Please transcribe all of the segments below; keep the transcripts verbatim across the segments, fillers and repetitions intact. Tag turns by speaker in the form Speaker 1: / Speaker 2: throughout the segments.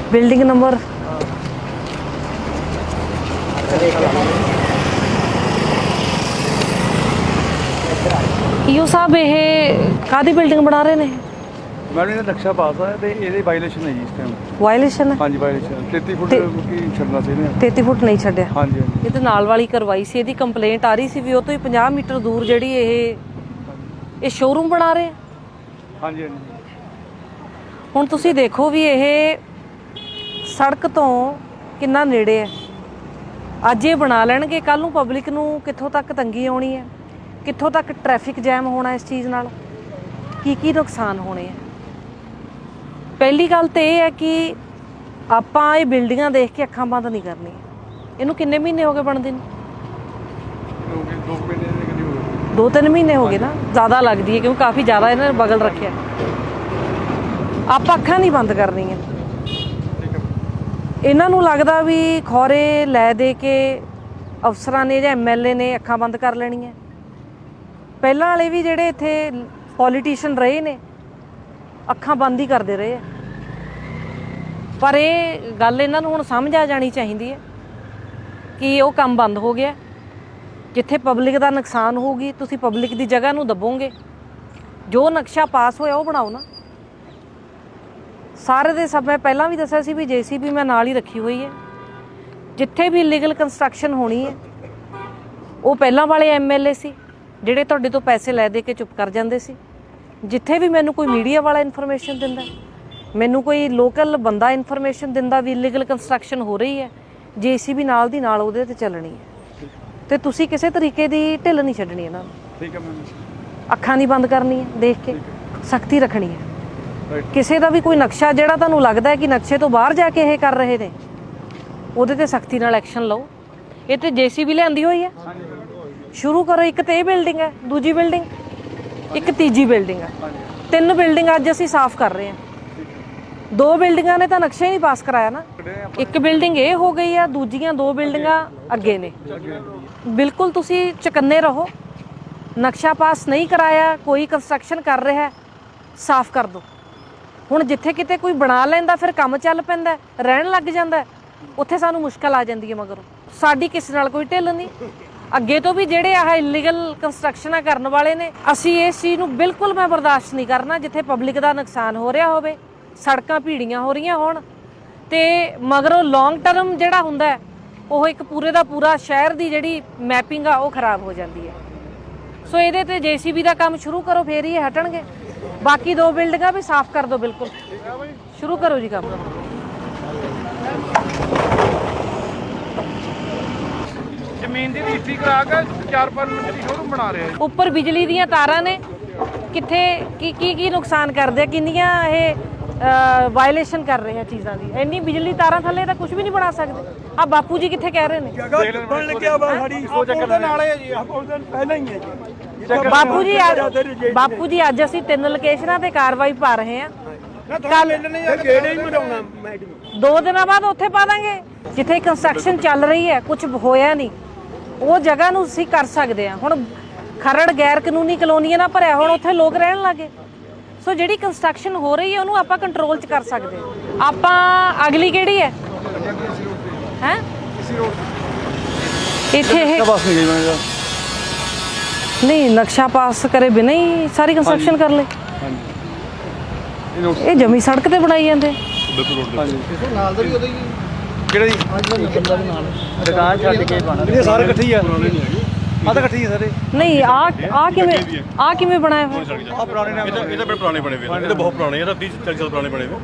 Speaker 1: Building number ਈਓ ਸਾਹਿਬ ਇਹ ਕਾਹਦੀ building ਬਣਾ ਰਹੇ ਨੇ?
Speaker 2: ਮੈਡਮ ਇਹਦਾ ਨਕਸ਼ਾ ਪਾਸ ਆ ਤੇ ਇਹਦੇ ਵਾਇਲੇਸ਼ਨ ਹੈ ਜੀ ਇਸ ਟਾਈਮ।
Speaker 1: ਵਾਇਲੇਸ਼ਨ ਹੈ?
Speaker 2: ਹਾਂਜੀ ਵਾਇਲੇਸ਼ਨ ਤੇਤੀ ਫੁੱਟ ਕੀ ਛੱਡਣਾ ਸੀ ਇਹਨੇ।
Speaker 1: ਤੇਤੀ ਫੁੱਟ ਨਹੀਂ ਛੱਡਿਆ।
Speaker 2: ਹਾਂਜੀ ਹਾਂਜੀ
Speaker 1: ਇਹ ਤੇ ਨਾਲ ਵਾਲੀ ਕਰਵਾਈ ਸੀ, ਇਹਦੀ ਕੰਪਲੇਂਟ ਆ ਰਹੀ ਸੀ ਵੀ ਉਹ ਤੋਂ ਹੀ ਪੰਜਾਹ ਮੀਟਰ ਦੂਰ ਜਿਹੜੀ ਇਹ ਇਹ ਸ਼ੋਰੂਮ ਬਣਾ ਰਹੇ।
Speaker 2: ਹਾਂਜੀ ਹਾਂਜੀ
Speaker 1: ਹੁਣ ਤੁਸੀਂ ਦੇਖੋ ਵੀ ਇਹ ਸੜਕ ਤੋਂ ਕਿੰਨਾ ਨੇੜੇ ਹੈ। ਅੱਜ ਇਹ ਬਣਾ ਲੈਣਗੇ, ਕੱਲ ਨੂੰ ਪਬਲਿਕ ਨੂੰ ਕਿੱਥੋਂ ਤੱਕ ਤੰਗੀ ਆਉਣੀ ਹੈ, ਕਿੱਥੋਂ ਤੱਕ ਟ੍ਰੈਫਿਕ ਜੈਮ ਹੋਣਾ ਇਸ ਚੀਜ਼ ਨਾਲ, ਕੀ ਕੀ ਨੁਕਸਾਨ ਹੋਣੇ ਆ। ਪਹਿਲੀ ਗੱਲ ਤਾਂ ਇਹ ਹੈ ਕਿ ਆਪਾਂ ਇਹ ਬਿਲਡਿੰਗਾਂ ਦੇਖ ਕੇ ਅੱਖਾਂ ਬੰਦ ਨਹੀਂ ਕਰਨੀਆਂ। ਇਹਨੂੰ ਕਿੰਨੇ ਮਹੀਨੇ ਹੋ ਗਏ ਬਣਦੇ ਨੂੰ?
Speaker 2: ਦੋ ਮਹੀਨੇ ਦੇ ਕਰੀਬ ਹੋ ਗਏ।
Speaker 1: ਦੋ ਤਿੰਨ ਮਹੀਨੇ ਹੋ ਗਏ ਨਾ, ਜ਼ਿਆਦਾ ਲੱਗਦੀ ਹੈ ਕਿਉਂਕਿ ਕਾਫੀ ਜ਼ਿਆਦਾ ਇਹਨਾਂ ਨੇ ਬਗਲ ਰੱਖਿਆ। ਆਪਾਂ ਅੱਖਾਂ ਨਹੀਂ ਬੰਦ ਕਰਨੀਆਂ। ਇਹਨਾਂ ਨੂੰ ਲੱਗਦਾ ਵੀ ਖੌਰੇ ਲੈ ਦੇ ਕੇ ਅਫਸਰਾਂ ਨੇ ਜਾਂ ਐਮ ਐਲ ਏ ਨੇ ਅੱਖਾਂ ਬੰਦ ਕਰ ਲੈਣੀਆਂ। ਪਹਿਲਾਂ ਵਾਲੇ ਵੀ ਜਿਹੜੇ ਇੱਥੇ ਪੋਲੀਟੀਸ਼ੀਅਨ ਰਹੇ ਨੇ ਅੱਖਾਂ ਬੰਦ ਹੀ ਕਰਦੇ ਰਹੇ ਆ। ਪਰ ਇਹ ਗੱਲ ਇਹਨਾਂ ਨੂੰ ਹੁਣ ਸਮਝ ਆ ਜਾਣੀ ਚਾਹੀਦੀ ਹੈ ਕਿ ਉਹ ਕੰਮ ਬੰਦ ਹੋ ਗਿਆ। ਜਿੱਥੇ ਪਬਲਿਕ ਦਾ ਨੁਕਸਾਨ ਹੋਊਗੀ ਤੁਸੀਂ ਪਬਲਿਕ ਦੀ ਜਗ੍ਹਾ ਨੂੰ ਦੱਬੋਗੇ। ਜੋ ਨਕਸ਼ਾ ਪਾਸ ਹੋਇਆ ਉਹ ਬਣਾਓ ਨਾ। ਸਾਰੇ ਦੇ ਸਭ ਮੈਂ ਪਹਿਲਾਂ ਵੀ ਦੱਸਿਆ ਸੀ ਵੀ ਜੇ ਸੀ ਬੀ ਮੈਂ ਨਾਲ ਹੀ ਰੱਖੀ ਹੋਈ ਹੈ। ਜਿੱਥੇ ਵੀ ਇਲੀਗਲ ਕੰਸਟਰਕਸ਼ਨ ਹੋਣੀ ਹੈ ਉਹ ਪਹਿਲਾਂ ਵਾਲੇ ਐਮ ਐਲ ਏ ਸੀ ਜਿਹੜੇ ਤੁਹਾਡੇ ਤੋਂ ਪੈਸੇ ਲੈ ਦੇ ਕੇ ਚੁੱਪ ਕਰ ਜਾਂਦੇ ਸੀ। ਜਿੱਥੇ ਵੀ ਮੈਨੂੰ ਕੋਈ ਮੀਡੀਆ ਵਾਲਾ ਇਨਫੋਰਮੇਸ਼ਨ ਦਿੰਦਾ, ਮੈਨੂੰ ਕੋਈ ਲੋਕਲ ਬੰਦਾ ਇਨਫੋਰਮੇਸ਼ਨ ਦਿੰਦਾ ਵੀ ਇਲੀਗਲ ਕੰਸਟਰਕਸ਼ਨ ਹੋ ਰਹੀ ਹੈ, ਜੇ ਸੀ ਬੀ ਨਾਲ ਦੀ ਨਾਲ ਉਹਦੇ ਤੇ ਚੱਲਣੀ ਹੈ। ਤੇ ਤੁਸੀਂ ਕਿਸੇ ਤਰੀਕੇ ਦੀ ਢਿੱਲ ਨਹੀਂ ਛੱਡਣੀ ਇਹਨਾਂ ਨੂੰ।
Speaker 2: ਠੀਕ ਹੈ ਮੈਮ।
Speaker 1: ਅੱਖਾਂ ਨਹੀਂ ਬੰਦ ਕਰਨੀ ਹੈ, ਦੇਖ ਕੇ ਸਖਤੀ ਰੱਖਣੀ ਹੈ। ਕਿਸੇ ਦਾ ਵੀ ਕੋਈ ਨਕਸ਼ਾ ਜਿਹੜਾ ਤੁਹਾਨੂੰ ਲੱਗਦਾ ਹੈ ਕਿ ਨਕਸ਼ੇ ਤੋਂ ਬਾਹਰ ਜਾ ਕੇ ਇਹ ਕਰ ਰਹੇ ਨੇ, ਉਹਦੇ ਤੇ ਸਖਤੀ ਨਾਲ ਐਕਸ਼ਨ ਲਓ। ਇਹ ਤੇ ਜੇ ਸੀ ਬੀ ਲਿਆਂਦੀ ਹੋਈ ਹੈ, ਸ਼ੁਰੂ ਕਰੋ। ਇੱਕ ਤੇ ਇਹ ਬਿਲਡਿੰਗ ਹੈ, ਦੂਜੀ ਬਿਲਡਿੰਗ, ਇੱਕ ਤੀਜੀ ਬਿਲਡਿੰਗ ਹੈ। ਤਿੰਨ ਬਿਲਡਿੰਗ ਅੱਜ ਅਸੀਂ ਸਾਫ਼ ਕਰ ਰਹੇ ਹਾਂ। ਦੋ ਬਿਲਡਿੰਗਾਂ ਨੇ ਤਾਂ ਨਕਸ਼ਾ ਹੀ ਨਹੀਂ ਪਾਸ ਕਰਾਇਆ ਨਾ। ਇੱਕ ਬਿਲਡਿੰਗ ਇਹ ਹੋ ਗਈ ਆ, ਦੂਜੀਆਂ ਦੋ ਬਿਲਡਿੰਗਾਂ ਅੱਗੇ ਨੇ। ਬਿਲਕੁਲ ਤੁਸੀਂ ਚੁਕੰਨੇ ਰਹੋ। ਨਕਸ਼ਾ ਪਾਸ ਨਹੀਂ ਕਰਾਇਆ, ਕੋਈ ਕੰਸਟਰਕਸ਼ਨ ਕਰ ਰਿਹਾ, ਸਾਫ਼ ਕਰ ਦਿਓ। ਹੁਣ ਜਿੱਥੇ ਕਿਤੇ ਕੋਈ ਬਣਾ ਲੈਂਦਾ ਫਿਰ ਕੰਮ ਚੱਲ ਪੈਂਦਾ, ਰਹਿਣ ਲੱਗ ਜਾਂਦਾ, ਉੱਥੇ ਸਾਨੂੰ ਮੁਸ਼ਕਲ ਆ ਜਾਂਦੀ ਹੈ। ਮਗਰੋਂ ਸਾਡੀ ਕਿਸੇ ਨਾਲ ਕੋਈ ਢਿੱਲ ਨਹੀਂ। ਅੱਗੇ ਤੋਂ ਵੀ ਜਿਹੜੇ ਆਹ ਇਲੀਗਲ ਕੰਸਟਰਕਸ਼ਨਾਂ ਕਰਨ ਵਾਲੇ ਨੇ, ਅਸੀਂ ਇਸ ਚੀਜ਼ ਨੂੰ ਬਿਲਕੁਲ ਮੈਂ ਬਰਦਾਸ਼ਤ ਨਹੀਂ ਕਰਨਾ। ਜਿੱਥੇ ਪਬਲਿਕ ਦਾ ਨੁਕਸਾਨ ਹੋ ਰਿਹਾ ਹੋਵੇ, ਸੜਕਾਂ ਭੀੜੀਆਂ ਹੋ ਰਹੀਆਂ ਹੋਣ, ਤੇ ਮਗਰੋਂ ਲੌਂਗ ਟਰਮ ਜਿਹੜਾ ਹੁੰਦਾ ਉਹ ਇੱਕ ਪੂਰੇ ਦਾ ਪੂਰਾ ਸ਼ਹਿਰ ਦੀ ਜਿਹੜੀ ਮੈਪਿੰਗ ਆ ਉਹ ਖਰਾਬ ਹੋ ਜਾਂਦੀ ਹੈ। ਸੋ ਇਹਦੇ ਤੇ ਜੇ ਸੀ ਬੀ ਦਾ ਕੰਮ ਸ਼ੁਰੂ ਕਰੋ, ਫੇਰ ਹੀ ਇਹ ਹਟਣਗੇ। ਬਾਕੀ ਦੋ ਬਿਲਡਿੰਗਾਂ ਵੀ ਸਾਫ਼ ਕਰ ਦਿਓ। ਬਿਲਕੁਲ ਸ਼ੁਰੂ ਕਰੋ ਜੀ ਕੰਮ।
Speaker 2: ਜ਼ਮੀਨ ਦੀ ਰਜਿਸਟਰੀ ਕਰਾ ਕੇ ਚਾਰ ਪੰਜ ਮਿੰਟ ਦੀ ਸ਼ੋਰੂਮ ਬਣਾ ਰਹੇ ਆ।
Speaker 1: ਉੱਪਰ ਬਿਜਲੀ ਦੀਆਂ ਤਾਰਾਂ ਨੇ, ਕਿੱਥੇ ਕੀ ਕੀ ਕੀ ਨੁਕਸਾਨ ਕਰਦੇ ਆ, ਕਿੰਨੀਆਂ ਇਹ ਵਾਇਲੇਸ਼ਨ ਕਰ ਰਹੇ ਆ ਚੀਜ਼ਾਂ ਦੀ। ਇੰਨੀ ਬਿਜਲੀ ਤਾਰਾਂ ਥੱਲੇ ਤਾਂ ਕੁਝ ਵੀ ਨਹੀਂ ਬਣਾ ਸਕਦੇ। ਆ ਬਾਪੂ ਜੀ ਕਿੱਥੇ ਕਹਿ ਰਹੇ ਨੇ?
Speaker 2: ਬਣ ਲੱਗਿਆ ਵਾ ਸਾਡੀ ਸੋਚ ਦੇ ਨਾਲ ਹੈ ਜੀ। ਪਹਿਲਾਂ ਹੀ ਹੈ ਜੀ
Speaker 1: ਬਾਪੂ ਜੀ। ਬਾਪੂ ਜੀ ਅੱਜ ਅਸੀਂ ਤਿੰਨ ਲੋਕੇਸ਼ਨਾਂ ਤੇ ਕਾਰਵਾਈ ਪਾ ਰਹੇ ਹਾਂ। ਕੱਲ
Speaker 2: ਕਿਹੜੇ ਹੀ ਮਰਾਉਣਾ ਮੈਡਮ,
Speaker 1: ਦੋ ਦਿਨਾਂ ਬਾਅਦ ਉੱਥੇ ਪਾ ਦਾਂਗੇ ਜਿੱਥੇ ਕੰਸਟਰਕਸ਼ਨ ਚੱਲ ਰਹੀ ਹੈ, ਕੁਝ ਹੋਇਆ ਨਹੀਂ, ਉਹ ਜਗ੍ਹਾ ਨੂੰ ਅਸੀਂ ਕਰ ਸਕਦੇ ਹਾਂ। ਹੁਣ ਖਰੜ ਗੈਰ ਕਾਨੂੰਨੀ ਕਲੋਨੀਆਂ ਨਾਲ ਭਰਿਆ, ਹੁਣ ਉੱਥੇ ਲੋਕ ਰਹਿਣ ਲੱਗੇ। ਸੋ ਜਿਹੜੀ ਕੰਸਟਰਕਸ਼ਨ ਹੋ ਰਹੀ ਹੈ ਉਹਨੂੰ ਆਪਾਂ ਕੰਟਰੋਲ 'ਚ ਕਰ ਸਕਦੇ ਹਾਂ। ਆਪਾਂ ਅਗਲੀ ਕਿਹੜੀ ਹੈ ਹੈ ਇੱਥੇ ਇਹ ਨਹੀਂ ਨਕਸ਼ਾ ਪਾਸ ਕਰੇ ਬਿਨਾਂ ਹੀ ਸਾਰੀ ਕੰਸਟਰਕਸ਼ਨ ਕਰ ਲੈ। ਇਹ ਜਮੀ ਸੜਕ ਤੇ ਬਣਾਈ ਜਾਂਦੇ।
Speaker 2: ਨਾਲ ਦਾ ਵੀ ਉਹਦਾ ਹੀ ਕਿਹੜਾ ਜੀ ਦੁਕਾਨ ਛੱਡ ਕੇ ਬਣਾ ਇਹ ਸਾਰੇ ਇਕੱਠੇ ਹੀ ਆ। ਆ ਤਾਂ ਇਕੱਠੇ ਹੀ ਸਾਰੇ।
Speaker 1: ਨਹੀਂ ਆ ਆ ਕਿਵੇਂ ਆ ਕਿਵੇਂ ਬਣਾਇਆ ਹੋਇਆ?
Speaker 2: ਆ ਪੁਰਾਣੇ ਨੇ,
Speaker 3: ਇਹ ਤਾਂ ਬੜੇ ਪੁਰਾਣੇ ਬਣੇ ਹੋਏ, ਇਹ ਤਾਂ ਬਹੁਤ ਪੁਰਾਣੇ, ਇਹ ਤਾਂ ਤੀਹ ਚਾਲੀ ਸਾਲ ਪੁਰਾਣੇ ਬਣੇ ਹੋਏ।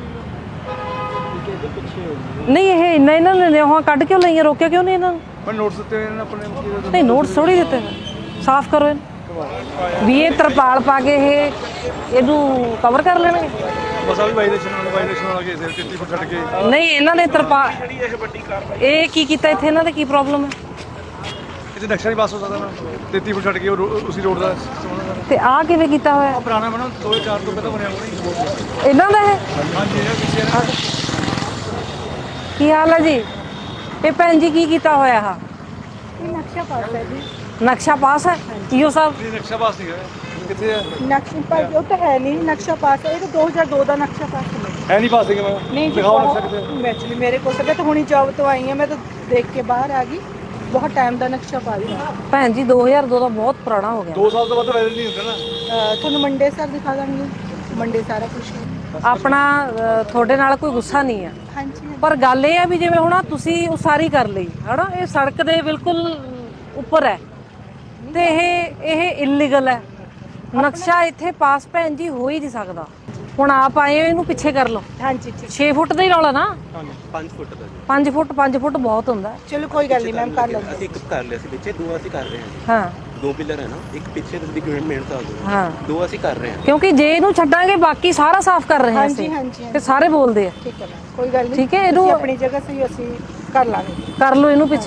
Speaker 1: ਨਹੀਂ ਇਹ ਇੰਨਾ ਇਹਨਾਂ ਨੇ ਨਿਹੋਆਂ ਕੱਢ ਕਿਉਂ ਲਈਆਂ, ਰੋਕਿਆ ਕਿਉਂ ਨਹੀਂ ਇਹਨਾਂ ਨੂੰ?
Speaker 2: ਮੈਂ ਨੋਟਸ ਦਿੱਤੇ ਇਹਨਾਂ ਆਪਣੇ।
Speaker 1: ਨਹੀਂ ਨੋਟਸ ਥੋੜੀ ਦਿੱਤੇ, ਸਾਫ਼ ਕਰੋ ਇਹਨੂੰ ਵੀ। ਇਹ ਤਰਪਾਲ ਪਾ ਕੇ ਇਹ ਇਹਨੂੰ ਕਵਰ ਕਰ ਲੈਣਗੇ।
Speaker 2: ਬਸ ਆ ਵੀ ਵਾਇਲੇਸ਼ਨ ਨਾਲ ਵਾਇਲੇਸ਼ਨ ਨਾਲ ਕੇ ਤੇਤੀ ਫੁੱਟ ਛੱਡ ਕੇ।
Speaker 1: ਨਹੀਂ ਇਹਨਾਂ ਨੇ ਤਰਪਾਲ ਇਹ ਕੀ ਕੀਤਾ ਇੱਥੇ? ਇਹਨਾਂ ਦੇ ਕੀ ਪ੍ਰੋਬਲਮ ਹੈ?
Speaker 2: ਇੱਥੇ ਨਕਸ਼ਾ ਨਹੀਂ ਪਾਸ ਹੋ ਸਕਦਾ ਨਾ, ਤੇਤੀ ਫੁੱਟ ਛੱਡ ਕੇ ਉਸੇ ਰੋਡ ਦਾ।
Speaker 1: ਤੇ ਆ ਕਿਵੇਂ ਕੀਤਾ ਹੋਇਆ?
Speaker 2: ਪੁਰਾਣਾ ਬਣਾ ਦੋ ਹਜ਼ਾਰ ਚਾਰ ਤੋਂ ਪਹਿਲਾਂ ਬਣਿਆ ਹੋਣਾ।
Speaker 1: ਇਹਨਾਂ ਦਾ ਹੈ?
Speaker 2: ਹਾਂਜੀ ਇਹ ਪਿੱਛੇ
Speaker 1: ਕੀ ਹਾਲ ਹੈ ਜੀ? ਇਹ ਭੈਣ ਜੀ ਕੀ ਕੀਤਾ ਹੋਇਆ? ਆ
Speaker 4: ਨਕਸ਼ਾ ਪਾਸ ਹੈ ਜੀ।
Speaker 1: ਨਕਸ਼ਾ ਪਾਸ ਹੈ ਈਓ ਸਾਹਿਬ?
Speaker 2: ਨਕਸ਼ਾ ਪਾਸ ਨਹੀਂ ਹੈ। ਕਿੱਥੇ ਹੈ
Speaker 4: ਨਕਸ਼ਾ ਪਾਸ ਉਹ ਤਾਂ ਹੈ ਨਹੀਂ। ਨਕਸ਼ਾ ਪਾਸ ਹੈ, ਇਹ ਤਾਂ ਦੋ ਹਜ਼ਾਰ ਦੋ ਦਾ ਨਕਸ਼ਾ ਪਾਸ ਹੈ।
Speaker 2: ਹੈ ਨਹੀਂ ਪਾਸਿੰਗ ਮੈਂ
Speaker 4: नहीं जी
Speaker 2: ਦਿਖਾਓ ਨਕਸ਼ਾ ਕਿਤੇ
Speaker 4: एक्चुअली मेरे को सब तो हुणी जॉब तो आई है मैं तो देख के बाहर आ गई बहुत टाइम का नक्शा पा रही हूँ
Speaker 1: ਭੈਣ ਜੀ ਦੋ ਹਜ਼ਾਰ ਦੋ ਦਾ ਬਹੁਤ ਪੁਰਾਣਾ ਹੋ ਗਿਆ
Speaker 2: ਦੋ ਸਾਲ ਤੋਂ ਬਾਅਦ ਵਾਇਰਲ ਨਹੀਂ ਹੁੰਦਾ ਨਾ
Speaker 4: ਤੁਹਾਨੂੰ ਮੰਡੇ ਸਰ ਦਿਖਾ ਦਾਂਗੀ ਮੰਡੇ ਸਾਰਾ ਕੁਝ
Speaker 1: ਆਪਣਾ ਅ, ਤੁਹਾਡੇ ਨਾਲ ਕੋਈ ਗੁੱਸਾ ਨਹੀਂ ਆ
Speaker 4: ਹਾਂਜੀ
Speaker 1: ਪਰ ਗੱਲ ਇਹ ਆ ਵੀ ਜਿਵੇਂ ਹੁਣ ਆਹ ਤੁਸੀਂ ਉਸਾਰੀ ਕਰ ਲਈ ਹਨਾ ਇਹ ਸੜਕ ਦੇ ਬਿਲਕੁਲ ਉੱਪਰ ਹੈ ਤੇ ਇਹ ਇਹ ਇਲੀਗਲ ਹੈ ਨਕਸ਼ਾ ਇੱਥੇ ਪਾਸ ਭੈਣ ਜੀ ਹੋ ਹੀ ਨਹੀਂ ਸਕਦਾ ਹੁਣ ਆਪ ਆਏ ਹੋ ਇਹਨੂੰ ਪਿੱਛੇ ਕਰ ਲਓ
Speaker 4: ਹਾਂਜੀ ਠੀਕ
Speaker 1: ਛੇ ਫੁੱਟ ਦਾ ਹੀ ਰੌਲਾ ਨਾ
Speaker 5: ਪੰਜ ਫੁੱਟ ਦਾ ਜੀ।
Speaker 1: ਪੰਜ ਫੁੱਟ ਪੰਜ ਫੁੱਟ ਬਹੁਤ ਹੁੰਦਾ ਹੈ।
Speaker 4: ਚਲੋ ਕੋਈ ਗੱਲ ਨਹੀਂ ਮੈਮ ਕਰ ਲਵਾਂਗੇ
Speaker 5: ਅਸੀਂ ਇੱਕ ਕਰ ਲਿਆ ਸੀ ਪਿੱਛੇ ਦੋ ਅਸੀਂ ਕਰ ਰਹੇ ਹਾਂ ਜੀ।
Speaker 1: ਹਾਂ
Speaker 5: ਦੋ ਪਿਲਰ ਹੈ ਨਾ ਇੱਕ ਪਿੱਛੇ ਤੁਸੀਂ ਮਿਹਨਤ ਆ ਦੋ
Speaker 1: ਹਾਂ
Speaker 5: ਦੋ ਅਸੀਂ ਕਰ ਰਹੇ ਹਾਂ
Speaker 1: ਕਿਉਂਕਿ ਜੇ ਇਹਨੂੰ ਛੱਡਾਂਗੇ ਬਾਕੀ ਸਾਰਾ ਸਾਫ਼ ਕਰ ਰਹੇ ਹਾਂ
Speaker 4: ਹਾਂਜੀ
Speaker 1: ਅਸੀਂ
Speaker 4: ਹਾਂਜੀ
Speaker 1: ਤੇ ਸਾਰੇ ਬੋਲਦੇ ਆ
Speaker 4: ਠੀਕ ਹੈ ਮੈਮ ਕੋਈ ਗੱਲ ਨਹੀਂ
Speaker 1: ਠੀਕ ਹੈ, ਇਹਨੂੰ-
Speaker 4: ਤੁਸੀਂ ਆਪਣੀ ਜਗ੍ਹਾ ਸਹੀ ਅਸੀਂ ਕਰ ਲਾਂਗੇ
Speaker 1: ਕਰ ਲਓ ਇਹਨੂੰ ਪਿੱਛੇ